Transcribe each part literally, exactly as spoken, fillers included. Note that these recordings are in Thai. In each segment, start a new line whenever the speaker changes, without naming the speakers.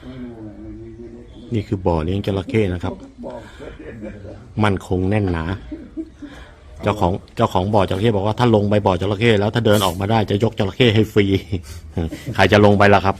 นี่คือบ่อเลี้ยงจระเข้นะครับมั่นคงแน่นหนาเจ้าของเจ้าของบ่อจระเข้บอกว่าถ้าลงไปบ่อจระเข้แล้วถ้าเดินออกมาได้จะยกจระเข้ให้ฟรีใครจะลงไปล่ะครับ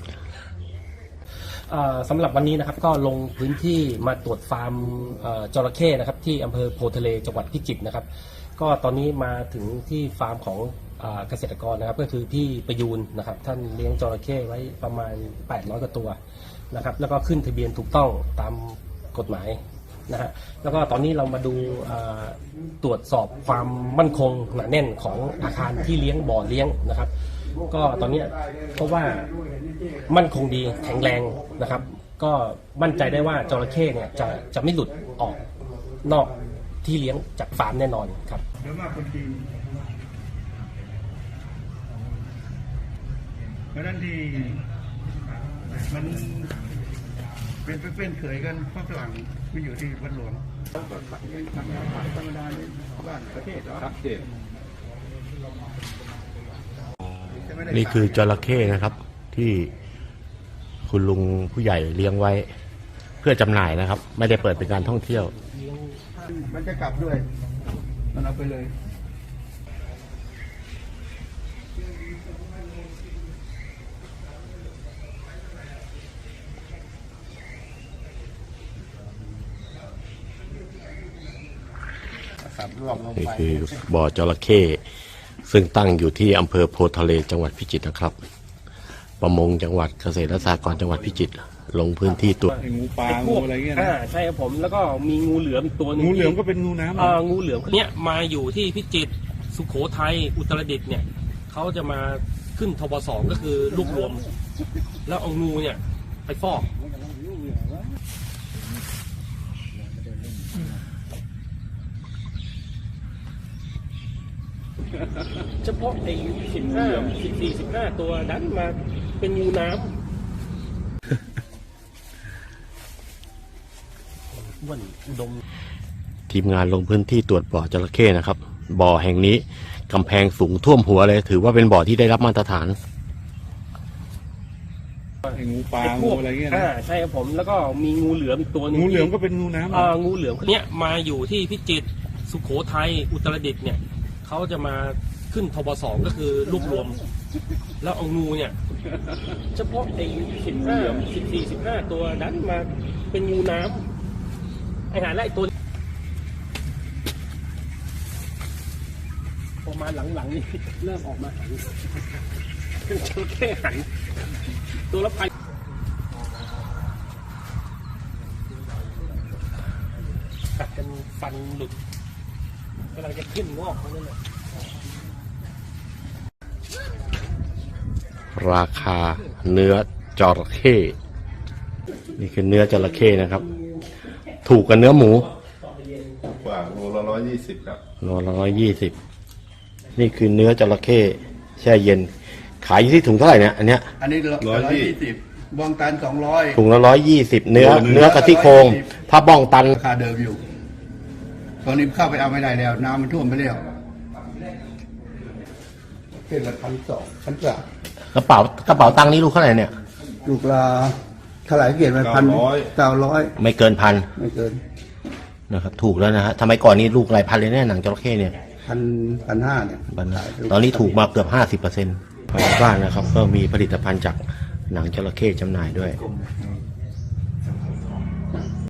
สำหรับวันนี้นะครับก็ลงพื้นที่มาตรวจฟาร์มจระเข้นะครับที่อำเภอโพธิ์ทะเลจังหวัดพิจิตรนะครับก็ตอนนี้มาถึงที่ฟาร์มของเกษตรกรนะครับก็คือพี่ประยูนนะครับท่านเลี้ยงจระเข้ไว้ประมาณแปดร้อยกว่าตัวนะครับแล้วก็ขึ้นทะเบียนถูกต้องตามกฎหมายนะฮะแล้วก็ตอนนี้เรามาดูตรวจสอบความมั่นคงหนาแน่นของอาคารที่เลี้ยงบ่อเลี้ยงนะครับก็ตอนนี้เพราะว่ามั่นคงดีแข็งแรงนะครับก็มั่นใจได้ว่าจระเข้เนี่ยจะจะไม่หลุดออกนอกที่เลี้ยงจากฟาร์มแน่นอนครับ
เยอะมากคนจีนเพราะนั้นที่มันเป็นเป็นเขยกันฝรั่งมันอยู่ที่วัดหลวงก็ขายทำงานขายธรรมดาในบ้านประเทศครับเด็ด
นี่คือจระเข้นะครับที่คุณลุงผู้ใหญ่เลี้ยงไว้เพื่อจำหน่ายนะครับไม่ได้เปิดเป็นการท่องเที่ยว
มันจะกลับด้วยมันเอาไปเลย
นี่คือบ่อจระเข้ซึ่งตั้งอยู่ที่อำเภอโพธิ์ทะเลจังหวัดพิจิตรนะครับประมงจังหวัดเกษตรและสหกรณ์จังหวัดพิจิตรลงพื้นที่ตรวจ
งูปลางูอะไรเงี้ยนะ
ใช่ครับผมแล้วก็มีงูเหลือมตัวนึง
งูเหลือมก็เป็นงูน้ำ
อ่างูเหลือมเนี้ยมาอยู่ที่พิจิตรสุโขทัยอุตรดิตถ์เนี่ยเขาจะมาขึ้นทบสองก็คือรวบรวมแล้วเอางูเนี่ยไปฟอกเฉพาะไอ้สิบห้าสิบสี่สิบห้าตัวดันมาเป็นงูน้ำอ้วนอุดม
ทีมงานลงพื้นที่ตรวจบ่อจระเข้นะครับบ่อแห่งนี้กำแพงสูงท่วมหัวเลยถือว่าเป็นบ่อที่ได้รับมาตรฐาน
งูปลางูอะไรเงี้ยนะ
ใช่ครับผมแล้วก็มีงูเหลือมตัวนึง
งูเหลือมก็เป็นงูน้ำ
อ่างูเหลือมเนี้ยมาอยู่ที่พิจิตรสุโขทัยอุตรดิตถ์เนี่ยเขาจะมาขึ้นทบสองก็คือรวบรวมแล้วเอางูเนี่ยเฉพาะไอ้สิบห้าสิบสี่สิบห้าตัวดันมาเป็นงูน้ำไอ้หาไล่ตัวพอมาหลังๆนี่เริ่มออกมาหันเป็นจระเข้หันตัวละพันกัดกันฟันหลุดกำลังจะขึ้นงอกเขาเนี่ย
ราคาเนื้อจระเข้นี่คือเนื้อจระเข้นะครับถูกกับเนื้อหมู
กว่าโลละร้อยยี่สิบครับ
โลละร้อยยี่สิบนี่คือเนื้อจระเข้แช่เย็นขายอยู่ที่ถุงเท่าไหร่เนี่ยอันเนี้ย
อันนี้ร้อยยี่สิบบองตันสองร้อย
ถุงละร้อยยี่สิบเนื้อเนื้อกะทิโครงถ้าบ้องตัน
ราคาเดิมอยู่ตอนนี้เข้าไปเอาไม่ได้แล้วน้ำมันท่วมไปแล้วเป็นละพันสองพันสาม
กระเป๋ากระเป๋าตังค์นี้ลูกเท่าไหร่เนี่ย
ลูกละเท่าไหร่เกียรติไปพันเก้าร้อย
ไม่เกินพัน
ไม่เกิน
นะครับถูกแล้วนะฮะทำไมก่อนนี้ลูกหลายพันเลยเนี่ยหนังจระเข้เนี่ย
พันพันห้าเนี่ย
ตอนนี้ถูกมาเกือบห้าสิบเปอร์เซ็นต์ภายในบ้านนะครับก็มีผลิตภัณฑ์จากหนังจระเข้จำหน่ายด้วย